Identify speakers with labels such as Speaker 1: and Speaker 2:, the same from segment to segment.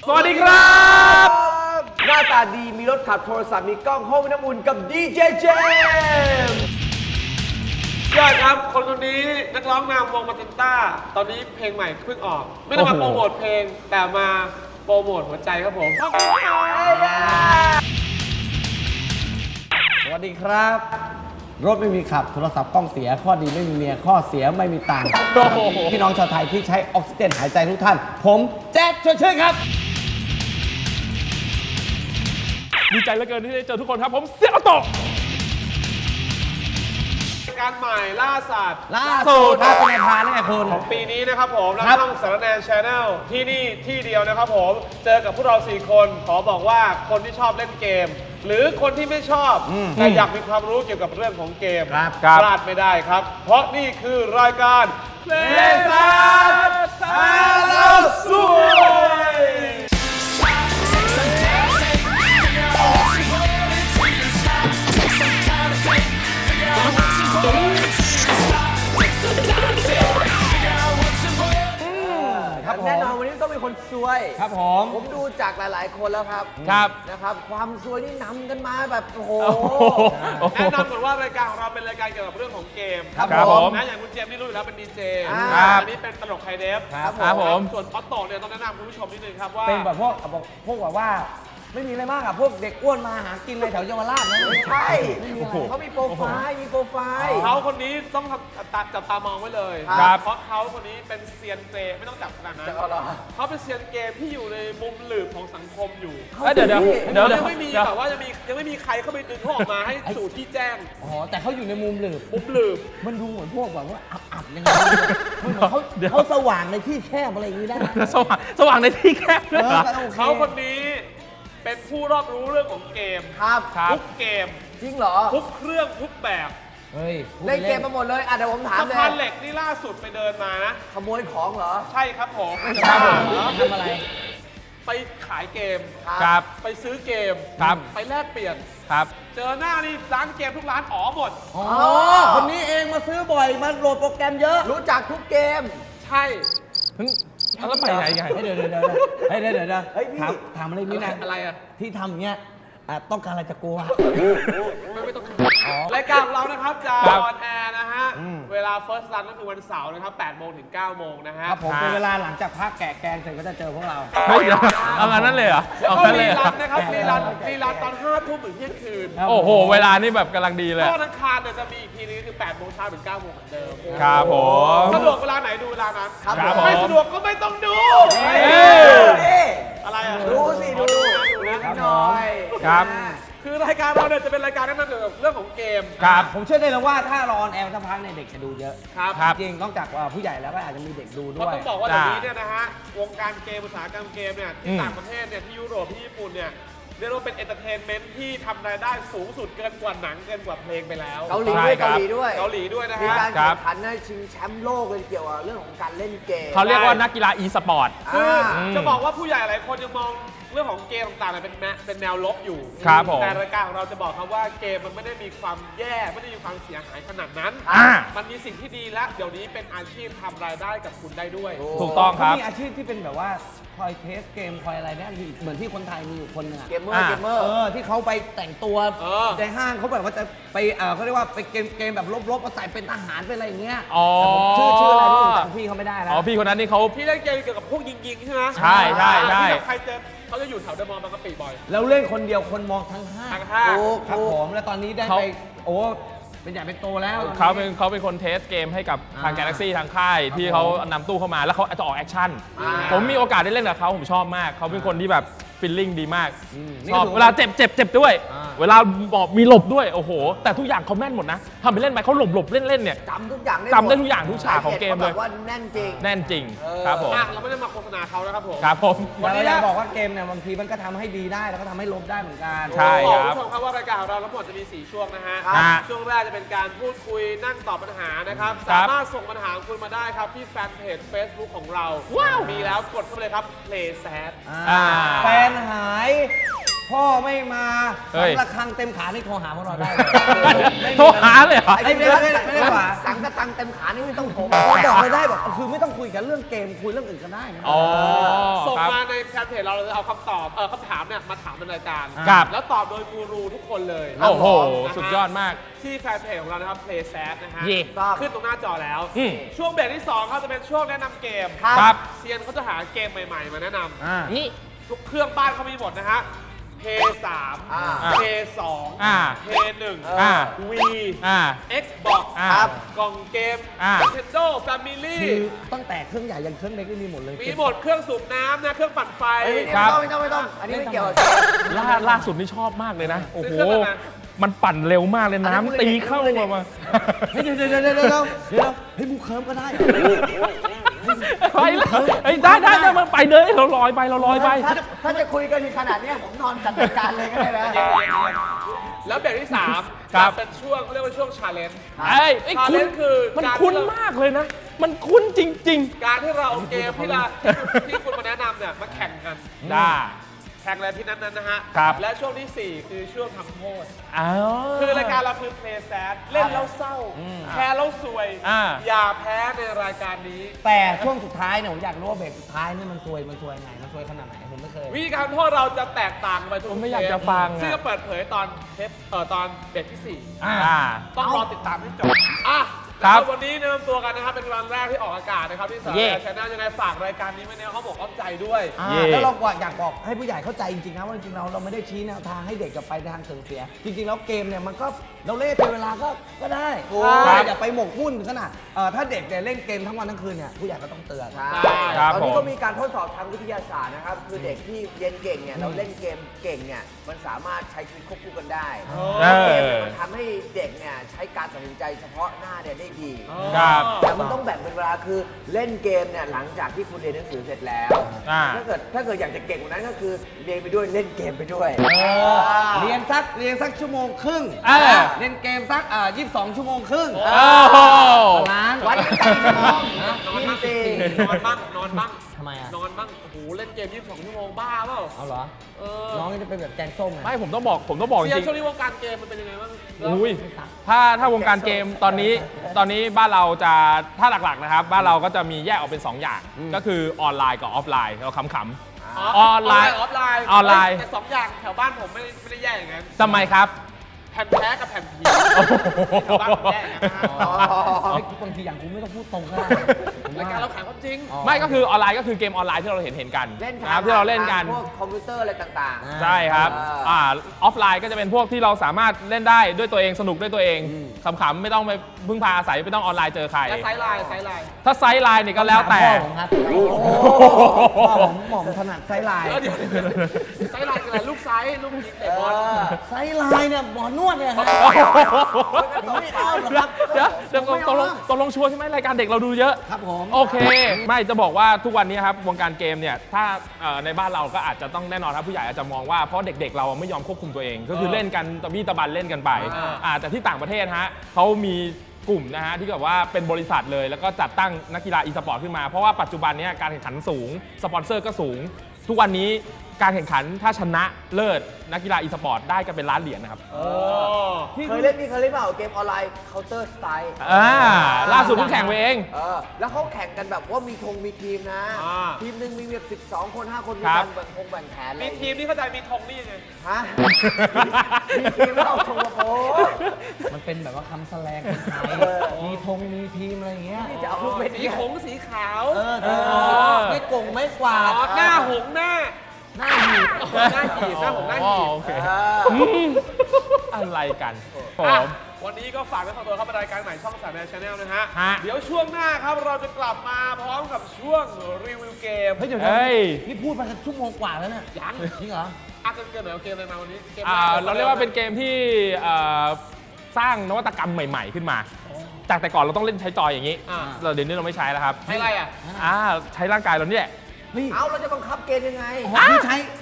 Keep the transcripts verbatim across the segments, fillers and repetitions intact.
Speaker 1: สวัสดีครับ
Speaker 2: หน้าตาดีมีรถขับโทรศัพท์มีกล้องห้องน้ำอุ่นกับดีเจเจมส์
Speaker 1: ยอดครับคนคนนี้นักร้องนำวงมาตันต้าตอนนี้เพลงใหม่เพิ่งออกไม่ได้มาโปรโมทเพลงแต่มาโปรโมทหัวใจครับผม
Speaker 3: สวัสดีครับรถไม่มีขับโทรศัพท์กล้องเสียข้อดีไม่มีเมียข้อเสียไม่มีตังค์พี่น้องชาวไทยที่ใช้ออกซิเจนหายใจทุกท่านผมแจ๊ดชวนชื่นครับ
Speaker 4: ดีใจเหลือเกินที่ได้เจอทุกคนครับผมเสียอโต
Speaker 1: การใหม่ล่าสัตว์
Speaker 3: ล่าสุดครับเป็นพานี่ไงคุณ
Speaker 1: ของปีนี้นะครับผมแล้ว
Speaker 3: ครับ
Speaker 1: ช่องสารแนนชาแนลที่นี่ที่เดียวนะครับผมเจอกับพวกเราสี่คนขอบอกว่าคนที่ชอบเล่นเกม หรือคนที่ไม่ชอบแต่อยากมีความรู้เกี่ยวกับเรื่องของเกม
Speaker 3: ครับ
Speaker 1: พลาดไม่ได้ครับ เพราะนี่คือรายการเพลงซาตาเราสวย
Speaker 3: ครับผม
Speaker 2: แน่นอนวันนี้ต้องเป็นคนซวย
Speaker 3: ครับผม
Speaker 2: ผมดูจากหลาย ๆ คนแล้วครับ
Speaker 4: ครับ
Speaker 2: นะครับ ความซวยนี่นำกันมาแบบโอ้โห
Speaker 1: แนะนำก่อนว่ารายการของเราเป็นรายการเกี่ยวกับเรื่องของเกม
Speaker 3: ครับ
Speaker 4: ครับ
Speaker 3: ผ
Speaker 4: ผม ม
Speaker 1: นะอย่างคุณเจมส์นี่รู้อยู่แล้วเป็นดีเจ
Speaker 2: อ่า
Speaker 4: ครับ
Speaker 1: อันนี้เป็นตลกไฮเดฟ
Speaker 3: ครับ
Speaker 4: ครับผม
Speaker 1: ส่วนออตโต้เนี่ยต้องแนะนำคุณผู้ชมนิดนึงครับว่า
Speaker 3: เป็นแบบพวกแบบพวกแบบว่าไม่มีอะไรมากอะพวกเด็กอ้วนมาหากินในแถวเยาวราชนะ
Speaker 2: ไม่ใช่
Speaker 3: ไม่มีอะไร
Speaker 2: เขามีโปรไฟล์ มีโปรไฟล์
Speaker 1: เขาคนนี้ต้องจับจับตามองไว้เลย
Speaker 4: ครับ
Speaker 1: เพราะเขาคนนี้เป็นเซียนเกมไม่ต้องจับขนาดนั้น
Speaker 2: เอาเหรอ
Speaker 1: เขาเป็นเซียนเกมที่อยู่ในมุมหลืบของสังคมอยู่
Speaker 4: เอ้ยเดี๋ยวเดี๋ยวเดี๋ยว
Speaker 1: ยั
Speaker 4: เดี๋ยว
Speaker 1: งไม่มี
Speaker 4: เดี๋ยว
Speaker 1: แบบว่าจะมียังไม่มีใครเข้าไปดึงเขาออกมาให้สู่ที่แจ้ง
Speaker 3: อ๋อแต่เขาอยู่ในมุมหลืบ
Speaker 1: มุมหลืบ
Speaker 3: มันดูเหมือนพวกแบบว่าอับๆยังไงมันเหมือนเขา
Speaker 4: เดี๋ยว
Speaker 3: เขาสว่างในที่แคบอะไรอย่างนี้ได้ไหม
Speaker 4: สว่างสว่างในที่แคบด้วย
Speaker 3: เอ
Speaker 4: เหร
Speaker 3: อ
Speaker 4: อ
Speaker 3: ก็โอเค
Speaker 1: เขาคนนี้เป็นผู้รอบรู้เรื่องของเกม
Speaker 2: ครับ
Speaker 4: ครับ
Speaker 1: ทุกเกม
Speaker 2: จริงเหรอ
Speaker 1: ทุกเครื่องทุกแบบ
Speaker 3: เฮ้ยพูด
Speaker 2: เล่นเกมมาหมดเลย อ่ะเดี๋ยวผมถาม
Speaker 1: สะ
Speaker 2: เล
Speaker 1: พาน
Speaker 2: ย
Speaker 1: เหล็กนี่ล่าสุดไปเดินมานะ
Speaker 2: ขโมยของเหรอ
Speaker 1: ใช่ครับผม
Speaker 3: ครับผมทำอะไร
Speaker 1: ไปขายเกม
Speaker 4: ครับ
Speaker 1: ไปซื้อเกม
Speaker 4: ครับ
Speaker 1: ไปแลกเปลี่ยน
Speaker 4: ครับ
Speaker 1: เจอหน้านี่ร้านเกมทุกร้านอ๋อหมด
Speaker 3: อ๋อ คนนี้เองมาซื้อบ่อยมาโหลดโปรแกรมเยอะ
Speaker 2: รู้จักทุกเกม
Speaker 1: ใช่
Speaker 4: เพิ่งแล้วไปไหนกัน
Speaker 3: เฮ้ยเดี๋ยวเดี๋ยวเดี๋ยวเฮ้ยเดี๋ยวเดี๋ยวเดี๋ยว
Speaker 2: เฮ้ยพี่
Speaker 3: ถามถามอะไรนิดนะ
Speaker 1: อะไรอ่ะ
Speaker 3: ที่ทำอย่างเงี้ยอ่ะต้องการอะไรจากกูอะ
Speaker 1: ไม่ไม่ต้องรายการของเรานะครับจะ
Speaker 4: ครั
Speaker 1: อบ อนแอร์นะฮะ
Speaker 3: อืม
Speaker 1: เวลา First Run ก็คือวันเสาร์นะครับแปดโมงถึงเก้าโมงนะฮะ
Speaker 3: ครับผมเป็นเวลาหลังจากพักแกะแกงเสร็จก็จะเจอพวกเรา
Speaker 4: เฮ้ยเดี๋ยวเอางั้นนั่นเลยเหรอ
Speaker 1: แล้ว
Speaker 4: เอา
Speaker 1: ก็
Speaker 4: งั้นเล
Speaker 1: รี
Speaker 4: ยเหร
Speaker 1: รั
Speaker 4: อน
Speaker 1: นะครับรีรันรีรันตอนห้าทุ่มถึงเที่ยงคืน
Speaker 3: ครับ
Speaker 4: โอ้โห เวลานี่แบบกำลังดีเลย
Speaker 1: ก็ทั้งคารเนี่ยจะมีอีกทีนึงคือแปดโมงเช้าถึงเก้าโมงเหมือนเดิม
Speaker 4: ครับผม
Speaker 1: สะดวกเวลาไหนดูเวลานั้น
Speaker 2: ครับ
Speaker 4: ครับผม
Speaker 1: ไม่สะดวกก็ไม่ต้องดู
Speaker 2: เฮ้ย
Speaker 4: เฮ้ย
Speaker 2: นี่
Speaker 1: อะไรอ่ะ
Speaker 2: ดูสิดู
Speaker 1: ดูนะ
Speaker 2: นิดหน่อย
Speaker 4: ครับ
Speaker 1: คือรายการเราเนี่ยจะเป็นรายการแนะนำเกี่ยวกับเรื่องของเกม
Speaker 4: ครับ
Speaker 3: ผมเชื่อได้เลยว่าถ้ารอออนแอร์สักพักเนี่ยเด็กจะดูเยอะ
Speaker 1: ครับ
Speaker 4: ครับ
Speaker 3: จริงๆนอกจากว่าผู้ใหญ่แล้วก็อาจจะมีเด็กดู
Speaker 1: เพ
Speaker 3: ด้
Speaker 1: ราะ
Speaker 3: วย
Speaker 1: ต้องบอกว่าเดี๋ยวนี้เนี่ยนะฮะวงการเกมอุตสาหกรรมเกมเนี่ย
Speaker 4: อื
Speaker 1: ที่
Speaker 4: ม
Speaker 1: ต่างประเทศเนี่ยที่ยุโรปที่ญี่ปุ่นเนี่ยเรียกว่าเป็นเอนเตอร์เทนเมนต์ที่ทำรายได้สูงสุดเกินกว่าหนังเกินกว่าเพลงไปแล้ว
Speaker 2: เกาหลี
Speaker 4: ใช่
Speaker 2: ด้วย
Speaker 4: ครั
Speaker 2: เกา
Speaker 4: บ
Speaker 2: หลีด้วย
Speaker 1: เกาหลีด้วยนะ
Speaker 2: มี
Speaker 1: ฮะ
Speaker 2: การ
Speaker 4: ครั
Speaker 2: แข่
Speaker 4: บ
Speaker 2: งขันในชิงแชมป์โลกเลยเกี่ยวกับเรื่องของการเล่นเกม
Speaker 4: เขาเรียกว่านักกีฬา e สปอร์ต
Speaker 1: คือ
Speaker 2: อ่า
Speaker 1: จะบอกว่าผู้ใหญ่หลายคนยังมองเรื่องของเกมต่างๆเนี่ยเป็นแนเป็นแนวลบอยู่
Speaker 4: ครับผม
Speaker 1: แต่รายการของเราจะบอกครับว่าเกมมันไม่ได้มีความแย่ไม่ได้มีความเสียหายขนาดนั้น
Speaker 4: อ่า
Speaker 1: มันมีสิ่งที่ดีและเดี๋ยวนี้เป็นอาชีพทำรายได้กับคุณได้ด้วย
Speaker 4: ถูกต้องครับ
Speaker 3: เขามีอาชีพที่เป็นแบบว่าคอยเทสเกมคอยอะไรเนี่ยมีเหมือนที่คนไทยมีอยู่คนหนึงอะ
Speaker 2: เกมเมอร์
Speaker 4: อ่า
Speaker 2: เกมเมอร์
Speaker 3: เออที่เขาไปแต่งตัว
Speaker 1: เออ
Speaker 3: ในห้างเขาแบบว่าจะไปเออเขาเรียกว่าไปเกมเกมแบบลบๆมาใส่เป็นทหารเป็นอะไรอย่างเงี้ย
Speaker 4: อ๋อ
Speaker 3: แต่ผมชื่อชื่ออะไรไม่รู้จำพี่เขาไม่ได้แล้ว
Speaker 4: อ๋อ พี่คนนั้นนี่เขา
Speaker 1: ที่เล่นเกมเกี่ยวกับพวกยิงๆใช่ไหม
Speaker 4: ใช่ใช่ใช่
Speaker 1: ที่แบบใครเจอเขาจะอยู่แถวเดอะมอลล์บางกะปิบ่อย
Speaker 3: แล้วเล่นคนเดียวคนมองทั้งห้าง
Speaker 1: ทางห้าง
Speaker 2: ถูก
Speaker 3: ครับ
Speaker 2: ถูก
Speaker 3: ผมแล้วตอนนี้ได้
Speaker 4: เขา
Speaker 3: ไปโอ้เป็นใหญ่เป็นโตแล้ว
Speaker 4: เขาเป็นเขาเป็นคนเทสเกมให้กับทาง
Speaker 3: อ่า
Speaker 4: Galaxy ทางค่ายที่เขานำตู้เข้ามาแล้วเขาจะออกแอคชั่น
Speaker 2: อ่า
Speaker 4: ผมมีโอกาสได้เล่นกับเขาผมชอบมาก เขาเป็นคนที่แบบฟิลลิ่งดีมาก
Speaker 3: อืม
Speaker 4: ชอบ
Speaker 3: นี่ก็ถือว่า
Speaker 4: เวลาเจ็บเจ็บเจ็บด้วย
Speaker 3: อ่า
Speaker 4: เวลาบอกมีหลบด้วย โอ้โห แต่ทุกอย่างเขาแม่นหมดนะทำไปเล่นไปเขาหลบหลบเล่นเล่นเนี่ย
Speaker 2: จำทุกอย่างได้
Speaker 4: จำได้ทุกอย่างทุกฉากของเกมเลย
Speaker 2: ขาแบบว่าแน่นจริง
Speaker 4: แน่นจริง
Speaker 2: เออ
Speaker 4: ครับผม
Speaker 1: อ่ะเราไม่ได้มาโฆษณาเขานะครับผม
Speaker 4: ครับผม
Speaker 3: วันนี้อยากบอกว่าเกมเนี่ยบางทีมันก็ทำให้ดีได้แล้วก็ทำให้ลบได้เหมือนกัน
Speaker 4: ใช่
Speaker 1: บอก
Speaker 4: ครับ
Speaker 1: คุณผู้ชมครับว่ารายการของเราทั้งหมดจะมีสี่ช่วงนะฮะ
Speaker 4: ครับ
Speaker 1: ช่วงแรกจะเป็นการพูดคุยนั่งตอบปัญหานะครับ
Speaker 4: ครั
Speaker 1: สา
Speaker 4: บ
Speaker 1: มารถส่งปัญหาของคุณมาได้ครับที่แฟนเพจ Facebook ของเรา
Speaker 4: ว้าว
Speaker 1: มีแล้วกดเข้าไปเลยครับ Play Sad
Speaker 3: อ่า
Speaker 4: อ่า
Speaker 3: แฟนหายพ่อไม่มา
Speaker 4: เฮ้ย
Speaker 3: ระฆังเต็มขานี่โทรหาพวกเราได้เลย
Speaker 4: โทรหาเลยเหรอ
Speaker 3: ไอ้ไม่ได้ไม่ได้ไม่ได้หว่า
Speaker 2: สังกะตังเต็มขานี่ไม่ต้องโทร
Speaker 3: บอกเลยได้บอกคือไม่ต้องคุยกันเรื่องเกมคุยเรื่องอื่นก็ได้นะ
Speaker 4: อ๋อ
Speaker 1: ส่ง
Speaker 4: ครับ
Speaker 1: มาในแฟนเพจเราเราจะเอาคำตอบเออคำถามเนี่ยมาถามในรายการ
Speaker 4: ครับ
Speaker 1: แล้วตอบโดยกูรูทุกคนเลย
Speaker 4: โอ้โห
Speaker 1: นะฮะ
Speaker 4: สุดยอดมาก
Speaker 1: ที่แฟนเพจของเรานะครับ Play Sad นะฮะ
Speaker 4: เย่
Speaker 1: ขึ้นตรงหน้าจอแล้ว
Speaker 4: อืม
Speaker 1: ช่วงเบรกที่สองครับจะเป็นช่วงแนะนำเกม
Speaker 4: ครับ
Speaker 1: เซียนเขาจะหาเกมใหม่ๆ มาแนะน
Speaker 3: อ่า
Speaker 4: นี่
Speaker 1: ำทุกเครื่องบ้านเขามีหมดนะฮะ เพย์ สาม
Speaker 2: อ่า
Speaker 1: เพย์สอง
Speaker 4: อ่า
Speaker 1: เพย์หนึ่ง
Speaker 4: อ่า
Speaker 1: วี
Speaker 4: อ่า
Speaker 1: Xbox
Speaker 4: อ่า
Speaker 1: ครับกล่องเกม
Speaker 4: อ่า
Speaker 1: Nintendo Family
Speaker 3: คือตั้งแต่เครื่องใหญ่ยันเครื่องเล็กนี่มีหมดเลย
Speaker 1: มีหมดเครื่องสูบน้ำนะเครื่องปั่นไฟ
Speaker 2: เฮ้ย
Speaker 4: ครับ
Speaker 2: ไม่ต้องไม่ต้องไม่ต้อง อันนี้ไม่เกี่ยวกับ
Speaker 4: ล่าล่าสุดนี่ชอบมากเลยนะ โอ้โห
Speaker 1: ซื้อเครื่องอะไรมา
Speaker 4: มันปั่นเร็วมากเลย
Speaker 2: อันนั้น
Speaker 4: น้ำตีเข้ามามา
Speaker 3: เฮ้ยเดี๋ยวเดี๋ยวเดี๋ยวเดี๋ยวเดี๋ยวเดี๋ยวเฮ้ยมูเคิร์มก็ได้
Speaker 4: ไปแล้วเฮ้ยได้ได้ได้มันไปเลยเราลอยไปเราลอยไป
Speaker 2: ถ้าถ้าจะคุยกันถึงขนาดเนี้ยผมนอนจัดรายการเลยก็ได้นะ
Speaker 1: แล้วเบรกที่สาม
Speaker 4: ครับ
Speaker 1: จะเป็นช่วงเขาเรียกว่าช่วงชาเลนจ์
Speaker 4: ไอ้ไอ้ยคุ้น
Speaker 1: Challenge คือ
Speaker 4: มัน
Speaker 1: การ
Speaker 4: คุ้น
Speaker 1: ที่เรา
Speaker 4: มากเลยนะ มันคุ้นจริง
Speaker 1: การที่เราเอาเกมที่เราที่คุณมาแนะนำเนี่ยมาแข่งกัน
Speaker 4: ๆ ได้
Speaker 1: แข่งอะไรที่นั้นนั้นนะฮะ
Speaker 4: ครับ
Speaker 1: และช่วงที่สี่คือช่วงทำโทษ
Speaker 4: อ้าว
Speaker 1: คือรายการเราคือ Play Sad เล่นแล้วเศร้า แพ้แล้วสวย
Speaker 4: อ่า
Speaker 1: อย่าแพ้ในรายการนี้
Speaker 3: แต่ช่วงสุดท้ายเนี่ยผมอยากรู้ว่าเบรกสุดท้ายนี่มันซวยมันซวยไงมันซวยขนาดไหนผมไม่เคย
Speaker 1: วิธีการโทษเราจะแตกต่างไปทุก
Speaker 4: ผมไม่อยาก
Speaker 1: เทป
Speaker 4: จะฟังอะ
Speaker 1: ซึ่งจะเปิดเผยตอนเทปเอ่อตอนเบรกที่สี่
Speaker 4: อ่า
Speaker 1: ต้องรอติดตามให้จบ อ่ะ
Speaker 4: ครับ
Speaker 1: แล้ววันนี้แนะนำตัวกันนะครับ เป็นวันแรกที่ออกอากาศนะครับ ที่สาร
Speaker 4: เย่
Speaker 1: ชแนลยังไงฝากรายการนี้ไว้ในเขาบอกอ้อมใจด้วย
Speaker 3: อ่า
Speaker 4: เย่
Speaker 3: แล้วเราก็อยากบอกให้ผู้ใหญ่เข้าใจจริงๆนะว่าจริงๆเราเราไม่ได้ชี้แนวทางให้เด็กกับไปทางเสื่อมเสีย จริงๆแล้วเกมเนี่ยมันก็เราเล่นเป็นเวลาก็ก็ได้
Speaker 1: ครับ
Speaker 3: อย่าไปหมกมุ่นถึงขนาดเอ่อถ้าเด็กเนี่ยเล่นเกมทั้งวันทั้งคืนเนี่ยผู้ใหญ่ก็ต้องเตือน
Speaker 2: ใช่
Speaker 4: ครับ
Speaker 2: ตอนนี้
Speaker 4: ผม
Speaker 2: ก็มีการทดสอบทางวิทยาศาสตร์นะครับ คือเด็กที่เรียนเก่งเนี่ยเราเล่นเกมเก่งเนี่ยมันสามารถใช้ชีวิตควบคู่กันได้
Speaker 4: เอ
Speaker 2: เกม
Speaker 4: อ
Speaker 2: เนี่ยมันทำให้เด็กเนี่ยใช้การตัดสินใจเฉพาะหน้าเนี่ยได้ดี
Speaker 4: ครับ
Speaker 2: แต่มันต้องแบ่งเป็นเวลาคือเล่นเกมเนี่ยหลังจากที่คุณเรียนหนังสือเสร็จแล้ว
Speaker 4: อ่า
Speaker 2: ถ้าเกิดถ้าเกิดอยากจะเก่งกว่านั้นก็คือเรียนไปด้วยเล่นเกมไปด้วย
Speaker 3: เรียนสักเรียนสักชั่วโมงครึ่ง
Speaker 4: เออ
Speaker 3: เล่นเกมสักอ่ายี่สิบสองชั่วโมงครึ่ง
Speaker 4: โอ้โห
Speaker 3: ล้าน
Speaker 2: วันละกี่ชั่วโมง
Speaker 1: นอนบ้าง
Speaker 2: จริง
Speaker 1: นอนบ้างนอนบ้าง
Speaker 3: ทำไมอ่ะ
Speaker 1: นอนบ้าง โอ้โห เล่นเกมยี่สิบสองชั่วโมงบ้าเปล่า
Speaker 3: เอาเหรอ
Speaker 1: เออ
Speaker 3: น้องจะเป็นแบบแกงส้มไง
Speaker 4: ไม่ผมต้องบอกผมต้องบอกจ
Speaker 1: เซียน
Speaker 4: ริง
Speaker 1: ช่วงนี้วงการเกมมันเป็นยังไงบ้าง
Speaker 4: ๆอุ้ยถ้าถ้าวงการเกมตอนนี้ตอนนี้บ้านเราจะถ้าหลักๆนะครับ บ้านเราก็จะมีแยกออกเป็น สอง อย่าง ก็คือออนไลน์กับออฟไลน์เราขำๆ ออนไลน์
Speaker 1: ออฟไลน์
Speaker 4: ออนไลน์
Speaker 1: เฮ้ยแต่สองอย่างแถวบ้านผมไม่ได้ไม่ได้แยกอย่างนั้น
Speaker 4: ทำไมครับ
Speaker 1: แผ่นแท้กับแผ่นผีแถวบ้านผมแยกอย่างนั้นนะ
Speaker 3: เฮ้ยบางทีอย่างกูไม่ต้องพูดตรงก็ได้ผม
Speaker 1: ราย
Speaker 3: ว่า
Speaker 1: การเราขายความจริง
Speaker 3: อ๋อ
Speaker 4: ไม่ก็คือออนไลน์ก็คือเกมออนไลน์ที่เราเห็นเห็นๆกัน
Speaker 2: เล่น
Speaker 4: นะครับที่เราเล่นกัน
Speaker 2: พวกคอมพิวเตอร์อะไรต่างๆ
Speaker 4: ใช่ครับ
Speaker 2: อ่า
Speaker 4: อ่าออฟไลน์ก็จะเป็นพวกที่เราสามารถเล่นได้ด้วยตัวเองสนุกด้วยตัวเองขำๆไม่ต้องไปพึ่งพาอาศัยไม่ต้องออนไลน์เจอใคร
Speaker 1: และไซส์ไลน์ไซส์ไลน์
Speaker 4: ถ้าไซส์ไลน์เนี่ยก็แล้วแต่
Speaker 3: พ่อผมครับพ่อผมหม่อมถนัดไซส์ไลน์
Speaker 1: เออเดี๋ยวไซส์ไลน์คืออะไรลูกไซส์ลูกยิงเตะบอล
Speaker 3: ไซส์ไลน์เนี่ยหมอนวดเนี่ยฮะผมไม่เอาหรอกครับ
Speaker 4: เดี๋ยวเดี๋ยว
Speaker 3: ผมไม่
Speaker 4: ตกลง
Speaker 3: เอา
Speaker 4: ตกลงชัวร์ใช่ไหมรายการเด็กเราดูเยอะ
Speaker 3: ครับผม
Speaker 4: โอเค ไม่จะบอกว่าทุกวันนี้ครับวงการเกมเนี่ยถ้าเอ่อในบ้านเราก็อาจจะต้องแน่นอนครับผู้ใหญ่อาจจะมองว่าเพราะเด็กๆ เราไม่ยอมควบคุมตัวเอง ก็คือเล่นกันตะบี้ตะบันเล่นกันไป
Speaker 1: อ่า
Speaker 4: อ่าแต่ที่ต่างประเทศฮะเขามีกลุ่มนะฮะที่แบบว่าเป็นบริษัทเลย แล้วก็จัดตั้งนักกีฬาอีสปอร์ตขึ้นมาเพราะว่าปัจจุบันเนี้การแข่งขันสูงสปอนเซอร์ก็สูง ทุกวันนี้การแข่งขันถ้าชนะเลิศนักกีฬาอีสปอร์ตได้กันเป็นล้านเหรียญนะครับ
Speaker 1: โอ้
Speaker 2: เคยเล่นนี่เคยเล่นเปล่าเกมออนไลน์ Counter Strike
Speaker 4: อ่าล่าสุดเพิ่งแข่งไปเอง
Speaker 2: เออแล้วเขาแข่งกันแบบว่ามีธงมีทีมนะ
Speaker 1: อ่า
Speaker 2: ทีมหนึ่งมีแบบสิบสองคนห้าคนมี
Speaker 4: ครั
Speaker 2: กา
Speaker 4: บ
Speaker 2: รแบ่งธงแบ่งแผนอะไร
Speaker 1: มีทีมที่เข้าใจมีธงนี่ยังไง
Speaker 2: ฮะมีทีมแล้วเอาธงมาโพส
Speaker 3: มันเป็นแบบว่าคำแสลงคนไทย
Speaker 2: เออ
Speaker 3: มีธงมีทีมอะไรอย่างเงี้ย
Speaker 2: นี่จะเอาลูกเม็ด
Speaker 1: สี
Speaker 2: เนี่ย
Speaker 1: ขงสีขาว
Speaker 3: เออ
Speaker 4: เออ
Speaker 3: ไม่โกงไม่กวาด
Speaker 1: อ๋อหน้าหงหน้า
Speaker 3: หน้าหีบ
Speaker 1: หน้าหีบหน้าหงหน้าหีบ
Speaker 4: โอเค
Speaker 2: เออ
Speaker 4: อืมอะไรกันผ
Speaker 1: อ่ะ
Speaker 4: ม
Speaker 1: วันนี้ก็ฝากไว้ขอตัวเข้ารายการใหม่ช่องสามแนวชาแนลนะฮะ
Speaker 4: ฮะ
Speaker 1: เดี๋ยวช่วงหน้าครับเราจะกลับมาพร้อมกับช่วงรีวิวเกม
Speaker 3: เฮ้ยเดี๋ยว
Speaker 4: เฮ้ย
Speaker 3: นี่พูดมาชั่วโมงกว่าแล้วเนี่ย
Speaker 1: ยัง
Speaker 3: จริงเหรอ
Speaker 1: อ่ะเกินเกินหน่อยเอาเกมอะไรมาวันนี้เกม
Speaker 4: อ่าเราเรียกว่าเป็นเกมที่เอ่อสร้างนวัตกรรมใหม่ ๆ ขึ้นมา จากแต่ก่อนเราต้องเล่นใช้จอยอย่างนี้
Speaker 1: อ่า
Speaker 4: เราเดี๋ยวนี้เราไม่ใช้แล้วครับ
Speaker 1: ใช้อะไรอ่ะ
Speaker 4: อ่าใช้ร่างกายเราเนี่ย
Speaker 3: นี่
Speaker 2: เอาเราจะบังคับเกมยังไง
Speaker 3: อ๋อพี่ใช้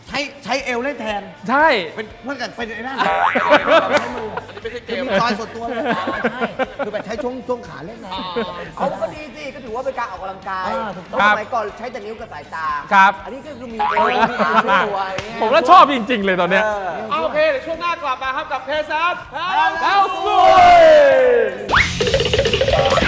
Speaker 3: ใช้ใช้เอวเล่นแทน
Speaker 4: ใช่
Speaker 3: เป็นเมื่อกี้เป็นไอ้นั่น
Speaker 1: ไม่ใช่เก
Speaker 3: คือ
Speaker 1: ม
Speaker 3: มีจอยส่วนตัวเลยใช่คือแบบใช้ช่วงช่วงขาเล่นนะ
Speaker 2: เอาก็ดีสิก็ถือว่าเป็นการออกกำลังกาย
Speaker 3: อ่าถูกต้อง
Speaker 2: เพราะสมัยก่อนใช้แต่นิ้วกับสายตา
Speaker 4: ครับ
Speaker 2: อันนี้ก็คือมีเอวมีขามีตัวอย่างเงี้ย
Speaker 4: ผมก็ชอบจริง ๆ เลยตอนเนี้ย
Speaker 2: เออ
Speaker 1: โอเคเดี๋ยวช่วงหน้ากลับมาครับกับเพซัส
Speaker 4: แล้วสวย